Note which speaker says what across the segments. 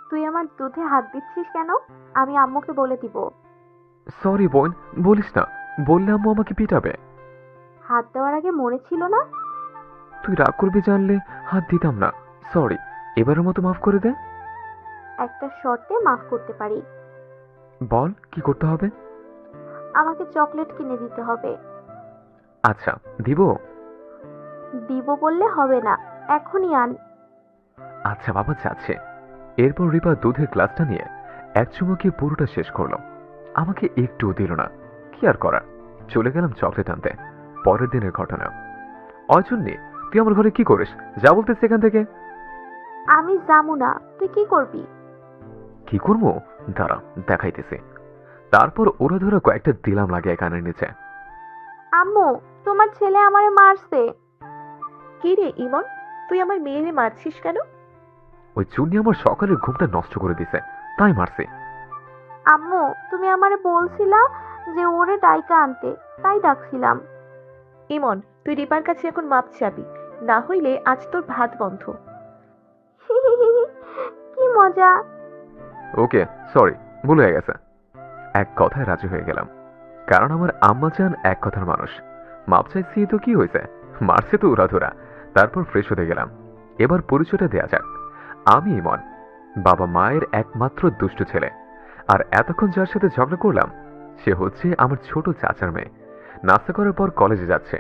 Speaker 1: তুই আমার দুধে হাত দিচ্ছিস কেন? আমি আম্মুকে বলে দিব।
Speaker 2: সরি বোন, বলিস না। বললে আম্মু আমাকে পিটাবে।
Speaker 1: হাত দেওয়ার আগে মনে ছিল না?
Speaker 2: তুই রাগ করবি জানলে হাত দিতাম না। সরি, এবারের মতো মাফ করে দে।
Speaker 1: একটা শর্তে মাফ করতে পারি।
Speaker 2: বল কি করতে হবে।
Speaker 1: আমাকে চকলেট কিনে দিতে হবে।
Speaker 2: আচ্ছা, দিব।
Speaker 1: দিব বললে হবে না, এখনই আন।
Speaker 2: আচ্ছা বাবা, যাচ্ছে। এরপর রিপা দুধের গ্লাসটা নিয়ে এক চুমুকে পুরোটা শেষ করলো। আমাকে একটুও দিল না। কি আর করার, চলে গেলাম চকলেট আনতে। পরের দিনের ঘটনা। অজন্যে, তুই আমার ঘরে কি করিস? যা বলতেছি এখান থেকে।
Speaker 1: আমি যাবো না, তুই কি করবি?
Speaker 2: কি করবো? দাঁড়া, দেখাইতেছি। তারপর ওরা ধরে কয়েকটা দিলাম লাগে কানের নিচে।
Speaker 1: আম্মু, তোমার ছেলে আমারে মারছে।
Speaker 3: কি রে ইমন, তুই আমার মেয়েরে মারছিস কেন?
Speaker 2: ওই চুন্নি আমার সকালের ঘুমটা নষ্ট করে দিছে, তাই মারছি।
Speaker 1: আম্মু, তুমি আমারে বলছিলা যে ওরে ডাইকা আনতে, তাই ডাকছিলাম।
Speaker 3: ইমন, তুই রিপার কাছে এখন মাপ চাবি, না হইলে আজ তোর ভাত বন্ধ।
Speaker 1: কি মজা।
Speaker 2: ওকে, সরি, ভুল হয়ে গেছে। এক কথায় রাজি হয়ে গেলাম, কারণ আমার আম্মা চান এক কথার মানুষ। মাপ চাইছি তো কি হয়েছে, মারছে তো উড়াধুরা। তারপর ফ্রেশ হতে গেলাম। এবার পরিচয়টা দেয়া যাক। আমি ইমন, বাবা মায়ের একমাত্র দুষ্ট ছেলে। আর এতক্ষণ যার সাথে ঝগড়া করলাম, সে হচ্ছে আমার ছোট চাচার মেয়ে। নাস্তা করার পর কলেজে যাচ্ছে।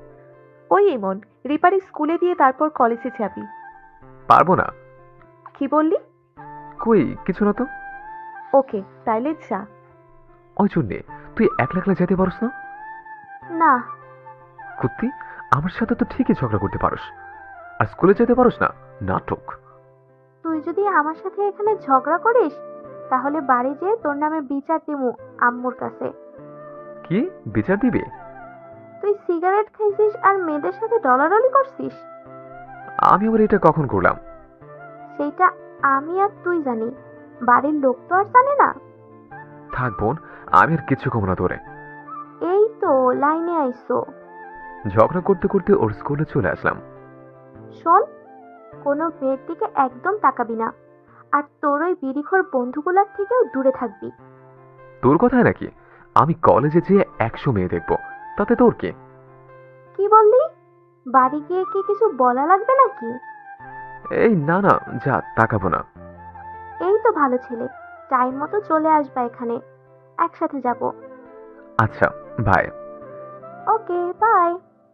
Speaker 3: ওই ইমন, রিপারে স্কুলে দিয়ে তারপর কলেজে যাবি।
Speaker 2: পারবো না।
Speaker 3: কি বললি?
Speaker 2: কই কিছু না তো।
Speaker 3: ওকে, তাইলে যা।
Speaker 2: ওই জন্যে তুই একলা একলা যেতে পারস না?
Speaker 1: না।
Speaker 2: কুত্তি, আমার সাথে তো ঠিকই ঝগড়া করতে পারস, আর স্কুলে যেতে পারস না। নাটক।
Speaker 1: তুই যদি আমার সাথে এখানে ঝগড়া করিস, তাহলে বাড়ি যেয়ে তোর নামে বিচার দিমু আম্মুর কাছে।
Speaker 2: কি বিচার দিবি?
Speaker 1: তুই সিগারেট খাইছিস আর মেয়েদের সাথে ডলাডলি করছিস।
Speaker 2: আমি আবার এটা কখন করলাম?
Speaker 1: সেইটা আমি আর তুই জানি, বাড়ির লোক তো আর জানে না।
Speaker 2: থাক বোন, আমি আর কিচ্ছু কম না তোরে।
Speaker 1: এই তো লাইনে আইসো।
Speaker 2: ঝগড়া করতে করতে ওর স্কুলে চলে আসলাম।
Speaker 1: শোন, কোনো মেয়ের দিকে একদম তাকাবি না, আর তোর ওই বিড়িখোর বন্ধুগুলার থেকেও দূরে থাকবি।
Speaker 2: তোর কথায় নাকি আমি কলেজে যেয়ে 100 মেয়ে দেখবো, তাতে তোর কি?
Speaker 1: কি বললি? বাড়ি গিয়ে কি কিছু বলা লাগবে নাকি?
Speaker 2: এই না না, যা, তাকাবো না।
Speaker 1: এই তো ভালো ছেলে, টাইম মতো চলে আসবা এখানে, একসাথে যাব।
Speaker 2: আচ্ছা, বাই।
Speaker 1: Okay, bye.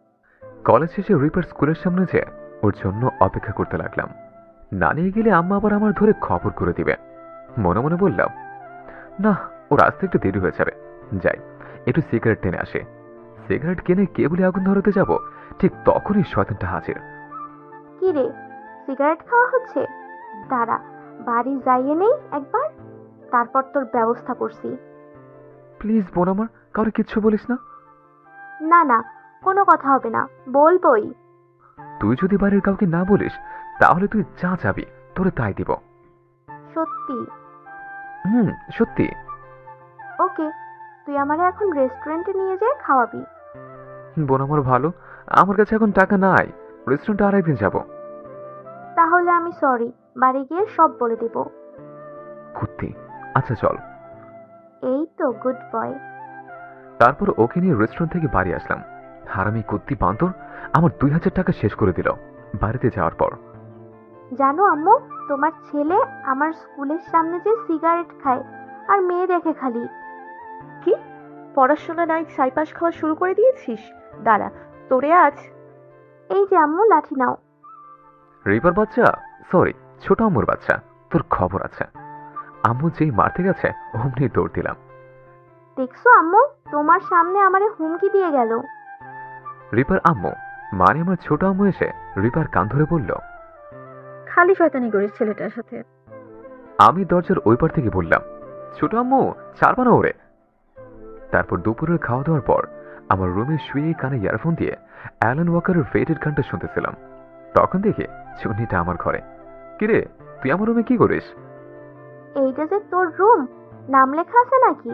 Speaker 2: কলেজ শেষে রিপার স্কুলের সামনে যেয়ে ওর জন্য অপেক্ষা করতে লাগলাম। না নিয়ে গেলে আম্মা আবার আমার ধরে খবর করে দিবে। মনে মনে বললাম, না, ওর আসতে একটু দেরি হয়ে যাবে। যাই, একটু সিগারেট টেনে আসে। সিগারেট কিনে কেবলই আগুন ধরাতে যাব, ঠিক তখনই শয়তানটা হাজির।
Speaker 1: কি রে, সিগারেট খাওয়া হচ্ছে? দাঁড়া, বাড়ি যাইয়ে নেই একবার, তারপর তোর ব্যবস্থা করছি।
Speaker 2: প্লিজ বোন আমার, কাউকে কিচ্ছু বলিস না।
Speaker 1: না না, কোনো কথা হবে না, বলবোই।
Speaker 2: তুই যদি বাড়ির কাউকে না বলিস, তাহলে তুই যা চাবি তোরে তাই দিব।
Speaker 1: সত্যি?
Speaker 2: হুম, সত্যি।
Speaker 1: ওকে, তুই আমারে এখন রেস্টুরেন্টে নিয়ে যেয়ে খাওয়াবি।
Speaker 2: বোন আমার ভালো, আমার কাছে এখন টাকা নাই। রেস্টুরেন্টে আরেকদিন যাব।
Speaker 1: তাহলে আমি সরি, বাড়ি গিয়ে সব বলে দেব।
Speaker 2: কুত্তি, আচ্ছা চল।
Speaker 1: এই তো গুড বয়।
Speaker 2: তারপর ওকে নিয়ে রেস্টুরেন্ট থেকে বাড়ি আসলাম। হারামি কুত্তি বান্দর আমার 2000 টাকা শেষ করে দিল বাড়িতে যাওয়ার পর।
Speaker 1: জানো আম্মু, তোমার ছেলে আমার স্কুলের সামনে যে সিগারেট খায় আর মেয়ে দেখে খালি।
Speaker 3: কি, পড়াশোনা নাই ছাইপাস খাওয়া শুরু করে দিয়েছিস? দাঁড়া, তোরে আজ।
Speaker 1: এই যে আম্মু, লাঠি নাও।
Speaker 2: রিপার বাচ্চা, সরি, ছোট আম্মুর বাচ্চা, তোর খবর আছে। আম্মু যেই মারতে গেছে অমনি দৌড় দিলাম।
Speaker 1: দেখছো আম্মু, তোমার সামনে আমারে হুমকি দিয়ে গেল।
Speaker 2: রিপার আম্মু মানে আমার ছোট আম্মু এসে রিপার কান ধরে বলল,
Speaker 4: খালি শয়তানি করিস ছেলেটার সাথে।
Speaker 2: আমি দরজার ওই পার থেকে বললাম, ছোট আম্মু ছাড়বা না ওরে। তারপর দুপুরের খাওয়া দাওয়ার পর আমার রুমে শুয়ে কানে ইয়ারফোন দিয়ে অ্যালান ওয়াকারের ফেটেড গানটা শুনতেছিলাম। তখন দেখি চুন্নিটা আমার ঘরে। কিরে, তুই আমার রুমে কি করিস?
Speaker 1: এইটা যে তোর রুম, নাম লেখা আছে নাকি?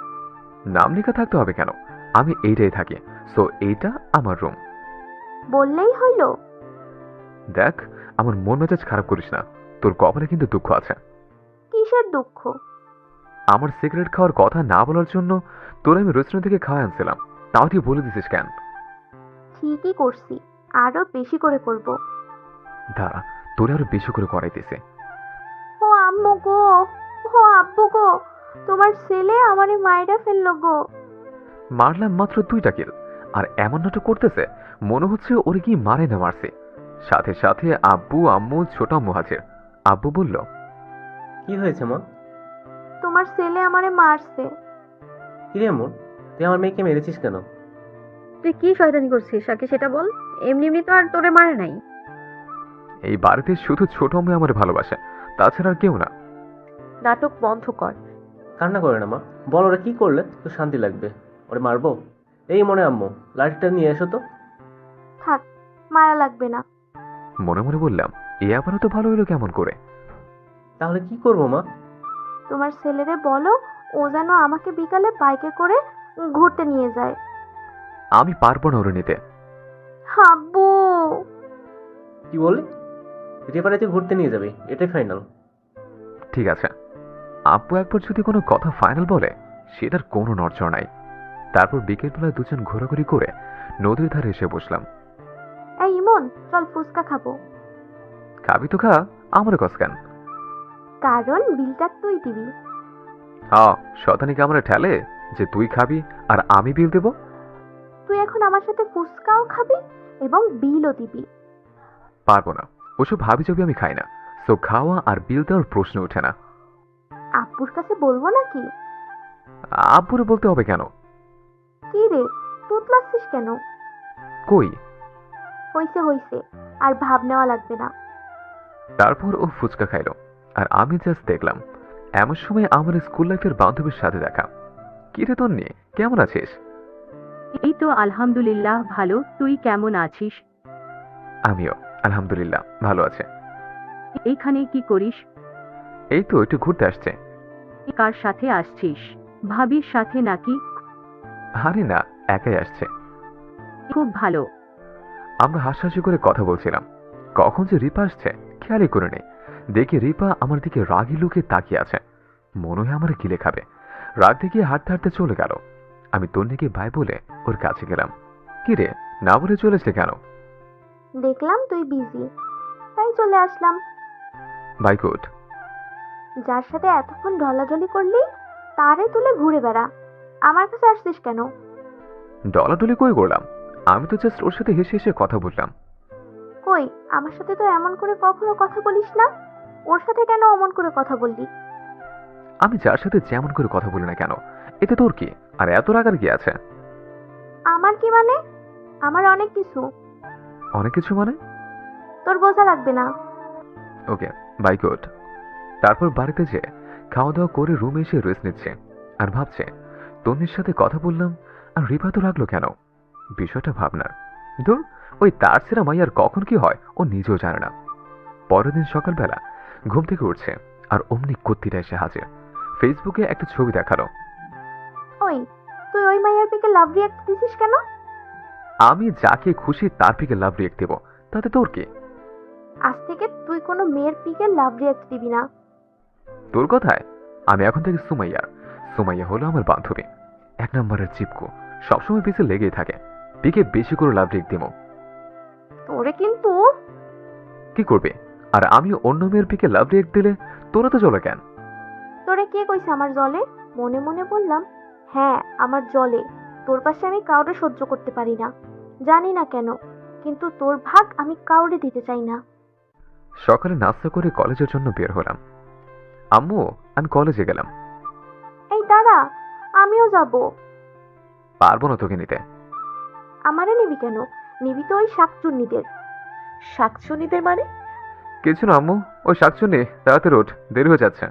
Speaker 2: নাম লেখা থাকতে হবে কেন? আমি এইটাই থাকি, সো এইটা আমার রুম।
Speaker 1: বললেই হইলো।
Speaker 2: দেখ, আমার মন মেজাজ খারাপ করিস না, তোর কপালে কিন্তু দুঃখ আছে।
Speaker 1: কিসের দুঃখ?
Speaker 2: আমার সিগারেট খাওয়ার কথা না বলার জন্য তোর আমি রেস্টুরেন্ট থেকে খাওয়া আনছিলাম, তাও তুই বলে দিছিস কেন?
Speaker 1: ঠিকই করছি, আরো বেশি করে করব।
Speaker 2: দাঁড়া, তোরে আরো বেশি করে করাইতেছে।
Speaker 1: ও আম্মু গো, ও আব্বু গো, তোমার ছেলে আমারে মাইরা ফেললো গো।
Speaker 2: মারলাম মাত্র 2টা কিল, আর এমন নাটক করতেছে মনে হচ্ছে ওরে কি মারে না মারছে। সাথে সাথে আব্বু আম্মু ছোট আম্মু হাজির। আব্বু বলল,
Speaker 5: কি হয়েছে মা?
Speaker 1: তোমার ছেলে আমারে মারছে।
Speaker 5: কিরে এমন, তুই আমার মেয়েকে মেরেছিস কেন?
Speaker 4: তুই কি শয়তানি করছিস আগে সেটা বল। এমনি এমনি তো আর তোরে মারে নাই।
Speaker 2: এই বাড়িতে শুধু ছোট আম্মু আমার ভালোবাসে, তাছাড়া আর কেউ না।
Speaker 3: নাটক বন্ধ কর।
Speaker 5: কান্না করে না মা, বল ওরা কি করলে তো শান্তি লাগবে। ওরে মারবো? এই মনে আম্মু, লাঠিটা নিয়ে এসো তো।
Speaker 1: থাক, মারা লাগবে না।
Speaker 2: মনে মনে বললাম, এ আবারও তো ভালো হলো কেমন করে?
Speaker 5: তাহলে কি করবো মা?
Speaker 1: তোমার ছেলেরে বলো ও যেন আমাকে বিকালে বাইকে করে ঘুরতে নিয়ে যায়।
Speaker 2: আমি পারবো না ওরে নিতে।
Speaker 1: আব্বু,
Speaker 5: কি বললি? রেপারে তুই ঘুরতে নিয়ে যাবি, এটাই ফাইনাল?
Speaker 2: ঠিক আছে, আব্বু একবার যদি কোনো কথা ফাইনাল বলে সেটার কোনো নড়চড় নাই। তারপর বিকেলবেলায় দুজন ঘোরাঘুরি করে নদীর ধারে এসে বসলাম।
Speaker 1: এই ইমন, চল ফুচকা খাবো।
Speaker 2: খাবি তো খা, আমার কসকান।
Speaker 1: কারণ বিলটা তুই দিবি।
Speaker 2: হ্যাঁ, শতানিকে আমরা ঠেলে যে তুই খাবি আর আমি বিল দেব।
Speaker 1: তুই এখন আমার সাথে ফুচকাও খাবি এবং বিলও দিবি।
Speaker 2: পারবো না, ওসব ভাবি যাবি আমি খাই না। সো খাওয়া আর বিল দেওয়ার প্রশ্ন ওঠে না।
Speaker 1: আব্বুর কাছে বলবো নাকি?
Speaker 2: আব্বুরে বলতে হবে কেন?
Speaker 1: কি রে, তুতলাচ্ছিস কেন?
Speaker 2: কই?
Speaker 1: হইছে হইছে, আর ভাব নেওয়া লাগবে না।
Speaker 2: তারপর ও ফুচকা খাইলো, আর আমি জাস্ট দেখলাম। এমন সময় আমার স্কুল লাইফের বান্ধবীর সাথে দেখা। কি রে তন্নি, কেমন আছিস?
Speaker 6: এই তো আলহামদুলিল্লাহ ভালো, তুই কেমন আছিস?
Speaker 2: আমিও আলহামদুলিল্লাহ ভালো আছে।
Speaker 6: এইখানে কি করিস?
Speaker 2: এই তো একটু ঘুরতে আসছে।
Speaker 6: কার সাথে আসছিস? ভাবির সাথে নাকি?
Speaker 2: আরে না, একাই আসছে।
Speaker 6: খুব ভালো।
Speaker 2: আমরা হাসাহাসি করে কথা বলছিলাম, কখন যে রিপা আসছে খেয়ালই করে নেই। দেখি রিপা আমার দিকে রাগি লুকে তাকিয়ে আছে, মনে হয় আমার গিলে খাবে। রাগ দেখিয়ে হাঁটতে হাঁটতে চলে গেল। আমি তন্নিকে বাই বলে ওর কাছে গেলাম। কি রে, না বলে চলেছে কেন?
Speaker 1: দেখলাম তুই বিজি, তাই চলে আসলাম।
Speaker 2: Bye good.
Speaker 1: যার সাথে এতক্ষণ ঢলাঢলি করলি তারে তুলে ঘুরে বেড়া। আমার কাছে আসছিস কেন?
Speaker 2: ডলাডলি কই করলাম? আমি তো জাস্ট ওর সাথে হেসে হেসে কথা বললাম।
Speaker 1: কই, আমার সাথে তো এমন করে কখনো কথা বলিস না। ওর সাথে কেন অমন করে কথা বললি?
Speaker 2: আমি যার সাথে যেমন করে কথা বলি না কেন, এতে তোর কি? আর এত রাগার কি আছে?
Speaker 1: আমার কি মানে? আমার অনেক কিছু।
Speaker 2: অনেক কিছু মানে?
Speaker 1: তোর বোঝা লাগবে না।
Speaker 2: Okay, bye good. তারপর বাড়িতে যেয়ে খাওয়া দাওয়া করে রুমে এসে রেস্ট নিচ্ছে আর ভাবছে তন্নির সাথে কথা বললাম আর রিপা তো রাখলো কেন। বিষয়টা ভাবনার। ধুর, ওই তার ছেড়া মাইয়ার কখন কি হয় ও নিজেও জানে না। পরের দিন সকালবেলা ঘুম থেকে উঠছে আর অমনি কত্তিটা এসে হাজির। ফেসবুকে একটা ছবি দেখালো।
Speaker 1: ওই, তুই ওই মাইয়ার পিকে লাভ রিয়াক্ট দিছিস কেন?
Speaker 2: আমি যাকে খুশি তার পিকে লাভ রিয়েক্ট দেবো, তাতে তোর কি?
Speaker 1: আজ থেকে তুই কোনো মেয়ের পিকে লাভ রিয়াক্ট দিবি না।
Speaker 2: তোর কথায় আমি এখন থেকে সুমাইয়ার। সুমাইয়া হলো আমার বান্ধবী, 1 নম্বরের চিপকু, সবসময় পিছে লেগেই থাকে। পিকে বেশি করে লাভ রিয়েক্ট দিব।
Speaker 1: তোরে কিন্তু।
Speaker 2: কি করবে? আর আমি অন্য মেয়ের পিকে লাভ রিয়েক্ট দিলে তোরা তো চলে কেন?
Speaker 1: তোরে কে কইছে আমার জলে? মনে মনে বললাম, হ্যাঁ আমার জলে। তোর পাশে আমি কাউরে সহ্য করতে পারি না, জানি না কেন, কিন্তু তোর ভাগ আমি কাউরে দিতে চাই না।
Speaker 2: সকালে নাস্তা করে কলেজের জন্য বের হলাম। আম্মু, আমি কলেজে গেলাম।
Speaker 1: এই দাঁড়া, আমিও যাব।
Speaker 2: পারবো না তোকে নিতে।
Speaker 1: আমারে নিবি কেন? নিবি তো ওই শাকচুন্নিদের।
Speaker 3: শাকচুনিদের মানে?
Speaker 2: কিছু না আম্মু, ওই শাকচুনি তাড়াতাড়ি ওঠ, দেরি হয়ে যাচ্ছে।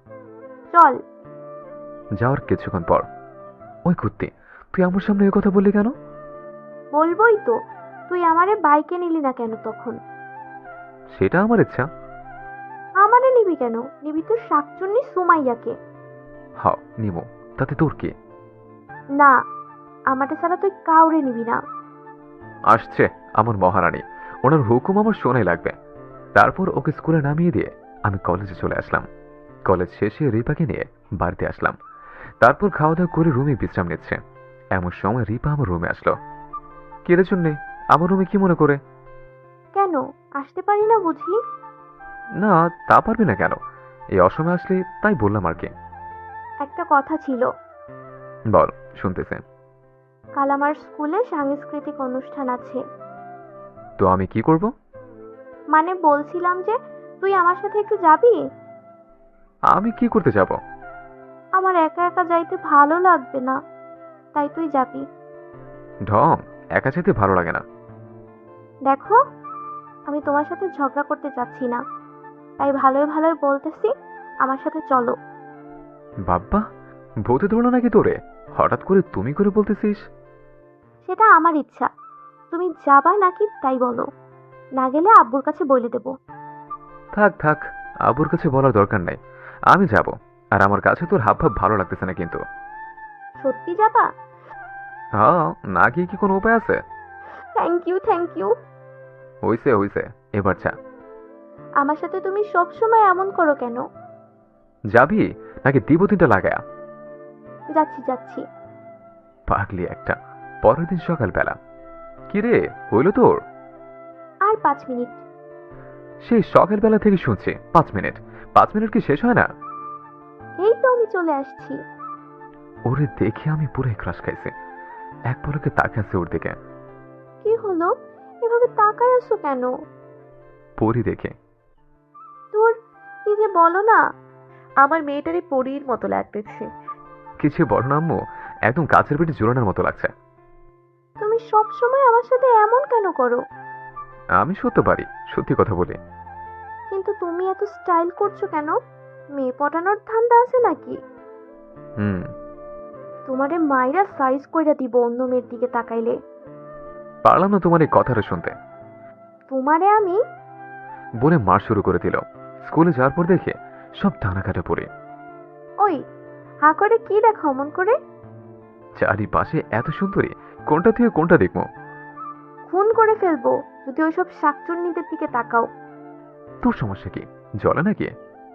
Speaker 1: চল।
Speaker 2: যাওয়ার কিছুক্ষণ পর, ওই কুত্তি, তুই আমার সামনে এই কথা বললি কেন?
Speaker 1: বলবোই তো, তুই আমারে বাইকে নিলি না কেন তখন?
Speaker 2: সেটা আমার ইচ্ছা।
Speaker 1: আমারে নিবি কেন? নিবি তো শাকচুন্নি সুমাইয়াকে।
Speaker 2: হাও, নিমো, তাতে তোর কি?
Speaker 1: না, আমারে ছাড়া তুই কাউরে নিবি না।
Speaker 2: আসছে আমার মহারানী, ওনার হুকুম আমার শোনাই লাগবে। তারপর ওকে স্কুলে নামিয়ে দিয়ে আমি কলেজে চলে আসলাম। কলেজ শেষে রিপাকে নিয়ে বাড়িতে আসলাম। তারপর খাওয়া দাওয়া করে রুমে বিশ্রাম নিচ্ছে। এমন সময় রিপা আমার রুমে আসলো। কিরে জন্যে আমার রুমে কি মনে করে?
Speaker 1: কেন আসতে পারি না বুঝি?
Speaker 2: না, তা পারবি না কেন? এই অসময়ে আসলে তাই বললাম আর কি।
Speaker 1: একটা কথা ছিল।
Speaker 2: বল, শুনতেছে।
Speaker 1: কাল আমার স্কুলে সাংস্কৃতিক অনুষ্ঠান আছে।
Speaker 2: তো আমি কি করব?
Speaker 1: মানে বলছিলাম যে তুই আমার সাথে একটু যাবি?
Speaker 2: আমি কি করতে যাব?
Speaker 1: আমার একা একা যাইতে ভালো লাগবে না, তাই তুই যাবি।
Speaker 2: ঢং, একা যেতে ভালো লাগে না।
Speaker 1: দেখো, আমি তোমার সাথে ঝগড়া করতে চাচ্ছি না, তাই ভালোই ভালোই বলতেছি আমার সাথে চলো।
Speaker 2: বাব্বা, ভূতে ধরলো নাকি তোরে? হঠাৎ করে তুমি করে বলতেছিস?
Speaker 1: সেটা আমার ইচ্ছা, তুমি যাবা নাকি তাই বলো। না গেলে আব্বুর কাছে বলে দেব।
Speaker 2: থাক থাক, আবুর কাছে বলার দরকার নাই। আমি যাব। আর আমার কাছে তোর হাব ভাব ভালো লাগতেছে না কিন্তু।
Speaker 1: সত্যি যাবা?
Speaker 2: হ্যাঁ, না গিয়ে কি কোনো উপায় আছে?
Speaker 1: Thank you, thank you.
Speaker 2: হইছে হইছে, এবার যা।
Speaker 1: আমার সাথে তুমি সব সময় এমন করো কেন?
Speaker 2: যাবি নাকি দিব তিনটা লাগায়া?
Speaker 1: যাচ্ছি যাচ্ছি।
Speaker 2: পাগলি একটা। পরের দিন সকালবেলা। কিরে, হইল তোর?
Speaker 1: আর 5 মিনিট।
Speaker 2: সেই সকালবেলা থেকে শুনছি 5 মিনিট। 5 মিনিট কি শেষ হয় না?
Speaker 1: এই তো আমি চলে আসছি।
Speaker 2: ওরে দেখে আমি পুরো ক্রাশ খাইছি। এক পলকে তাকে আছে ওর দিকে।
Speaker 1: কি হলো, এভাবে তাকায় আছো কেন?
Speaker 2: পরি দেখে।
Speaker 1: তোর কি যে বলো না।
Speaker 3: আমার মেয়েটারে পরীর মতো লাগতেছে।
Speaker 2: কিছু বড় নাম্মু, একদম গাছের পেটে জোরানোর মতো লাগছে।
Speaker 1: তুমি সব সময় আমার সাথে এমন কেন করো?
Speaker 2: আমি সত্য পারি, সত্যি কথা বলি।
Speaker 1: কিন্তু তুমি এত স্টাইল করছো কেন? মেয়ে পটানোর ধান্দা আছে নাকি?
Speaker 2: হুম।
Speaker 1: তোমারে মাইরা সাইজ কইরা দিব অন্য মেয়ের দিকে তাকাইলে।
Speaker 2: পারলাম না তোমার এই কথাটা শুনতে।
Speaker 1: তোমারে আমি
Speaker 2: বলে মার শুরু করে দিল। স্কুলে যাওয়ার পর দেখে সব ডানা কাটা পড়ে।
Speaker 1: ওই হা করে কি দেখো অমন করে?
Speaker 2: চারিপাশে এত সুন্দরী, কোনটা থেকে কোনটা দেখবো?
Speaker 1: খুন করে ফেলবো যদি ওইসব শাকচুন্নিদের দিকে তাকাও।
Speaker 2: তোর সমস্যা কি? জ্বলে নাকি?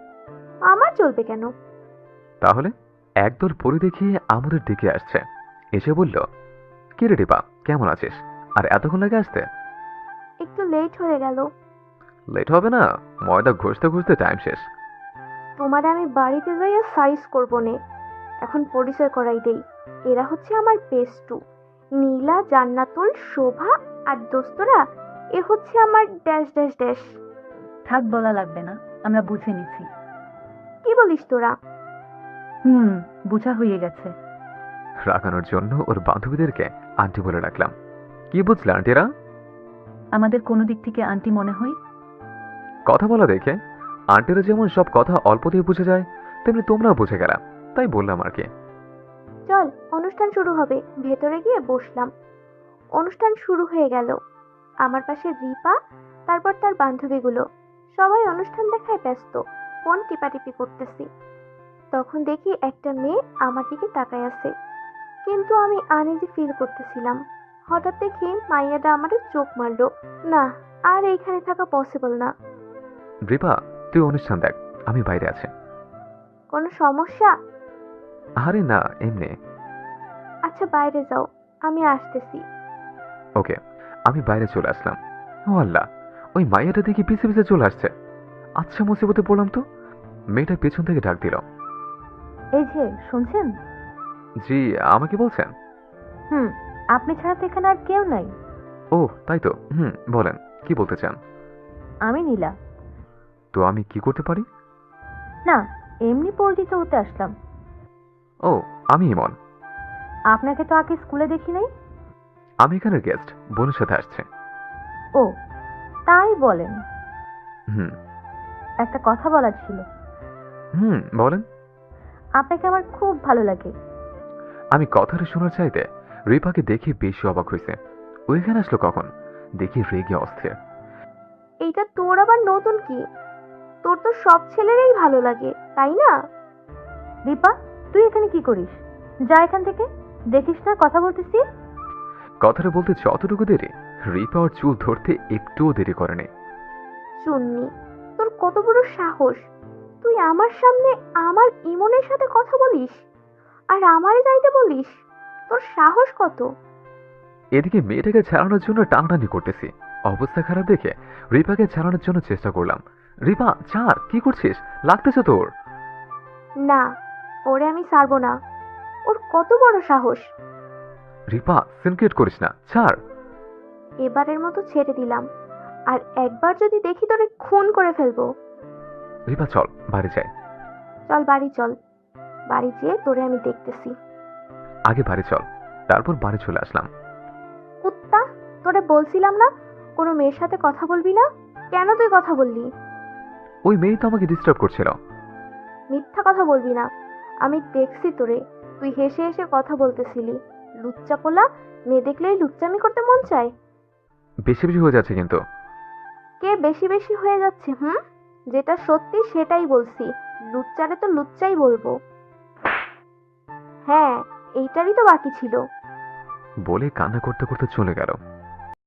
Speaker 1: আমার চলবে কেন?
Speaker 2: তাহলে একদল পরি দেখিয়ে আমাদের দিকে আসছে। এসে বলল, কি রে রিপা, কেমন আছিস? আর এতক্ষণ লাগে আসতে?
Speaker 1: একটু লেট হয়ে গেল।
Speaker 2: লেট হবে না, ময়দা ঘষতে ঘষতে টাইম শেষ।
Speaker 1: তোমারে আমি বাড়িতে যাইয়া সাইজ করবো নে। এখন পরিচয় করাই দেই। এরা হচ্ছে আমার বেস্টু, নীলা, জান্নাতুল, শোভা আর দোস্তরা। এ হচ্ছে আমার ড্যাশ ড্যাশ ড্যাশ।
Speaker 6: থাক, বলা লাগবে না, আমরা বুঝে নিছি।
Speaker 1: কি বলিস তোরা?
Speaker 6: বোঝা হয়ে গেছে।
Speaker 2: রাগানোর জন্য ওর বান্ধবীদেরকে আন্টি বলে রাখলাম। কি বুঝলে আন্টিরা?
Speaker 6: আমাদের কোনো দিক থেকে আন্টি মনে হয়?
Speaker 2: কথা বলা দেখে আন্টিরা যেমন সব কথা অল্পতেই বুঝে যায়, তেমনি তোমরাও বুঝে গেলা, তাই বললাম আর কি।
Speaker 1: চল, অনুষ্ঠান শুরু হবে। ভেতরে গিয়ে বসলাম। অনুষ্ঠান শুরু হয়ে গেল। আমার পাশে রিপা, তারপর তার বান্ধবীগুলো। সবাই অনুষ্ঠান দেখায় ব্যস্ত, ফোন টিপাটিপি করতেছি। তখন দেখি একটা মেয়ে আমার দিকে তাকায় আছে, কিন্তু আমি আনইজি ফিল করতেছিলাম। হঠাৎ দেখি মাইয়াটা আমারে চোখ মারলো। না, আর এইখানে থাকা পসিবল না।
Speaker 2: রিপা, তুই অনুষ্ঠান দেখ, আমি বাইরে আছি।
Speaker 1: কোনো সমস্যা?
Speaker 2: আরে না, এমনি।
Speaker 1: আচ্ছা বাইরে যাও, আমি আসতেছি।
Speaker 2: ওকে, আমি বাইরে চলে আসলাম। ও আল্লাহ, ওই মাইয়াটা দেখি পিছে পিছে চলে আসছে। আচ্ছা, মুসিবতে পড়লাম তো। মেয়েটা পেছন থেকে ডাক দিল।
Speaker 6: এই যে শুনছেন?
Speaker 2: জি, আমাকে বলছেন?
Speaker 6: আপনি ছাড়া তো এখানে আর কেউ নাই।
Speaker 2: ও তাই তো, বলেন, কি বলতে চান?
Speaker 6: আমি নীলা।
Speaker 2: তো আমি কি করতে পারি?
Speaker 6: না, এমনি পরিচিত হতে আসলাম।
Speaker 2: ও, আমি ইমন।
Speaker 6: আপনাকে তো আগে স্কুলে দেখি নাই।
Speaker 2: আমি এখানের গেস্ট, বোনের সাথে আসছে।
Speaker 6: ও, তাই বলেন।
Speaker 2: হুম।
Speaker 6: একটা কথা বলার ছিল।
Speaker 2: বলেন।
Speaker 6: আপনাকে আমার খুব ভালো লাগে।
Speaker 2: আমি কথাটা শোনার চাইতে রিপাকে দেখে বেশি অবাক হয়েছে। ওইখানে আসলো কখন? দেখি রেগে অস্থির।
Speaker 1: এইটা তোর আবার নতুন কি? তোর তো সব ছেলেরই ভালো লাগে, তাই না?
Speaker 6: দীপা, তুই এখানে কি করিস? যা এখান থেকে। দেখিস না কথা বলতেছি?
Speaker 2: কথাটা বলতে যতটুকু দেরি, রিপা ওর চুল ধরতে একটুও দেরি করেনি।
Speaker 1: চুন্নি, তোর কত বড় সাহস! তুই আমার সামনে আমার ইমনের সাথে কথা বলিস আর আমারে যাইতে বলিস? তোর সাহস কত?
Speaker 2: এদিকে মেয়েটাকে ছাড়ানোর জন্য টানাটানি করতেছি। অবস্থা খারাপ দেখে রিপাকে ছাড়ানোর জন্য চেষ্টা করলাম। রিপা ছাড়, কি করছিস? লাগতেছে তোর।
Speaker 1: না, ওরে আমি ছাড়বো না। ওর কত বড় সাহস!
Speaker 2: রিপা সিনক্রেট করিস না, ছাড়।
Speaker 1: এবারের মতো ছেড়ে দিলাম, আর একবার যদি দেখি তোরে খুন করে ফেলবো।
Speaker 2: রিপা চল বাড়ি যাই।
Speaker 1: চল বাড়ি চল, বাড়ি যেয়ে তোরে আমি দেখতেছি।
Speaker 2: আগে বাড়ি চল, তারপর বাড়ি চলে আসলাম।
Speaker 1: কুত্তা, তোরে বলছিলাম না কোনো মেয়ের সাথে কথা বলবি না? কেন তুই কথা বললি?
Speaker 2: ওই মেয়ে তো আমাকে ডিস্টার্ব করছিল।
Speaker 1: মিথ্যা কথা বলবি না। আমি দেখছি তোরে, তুই হেসে হেসে কথা বলতেছিলি। লুচ্চা পোলা, মেয়ে দেখলেই লুচ্চামি করতে মন চায়।
Speaker 2: বেশি বেশি হয়ে যাচ্ছে কিন্তু।
Speaker 1: কে বেশি বেশি হয়ে যাচ্ছে? যেটা সত্যি সেটাই বলছি। লুচ্চারে তো লুচ্চাই বলবো। হ্যাঁ, এইটারই তো বাকি ছিল।
Speaker 2: বলে কান্না করতে করতে চলে গেল।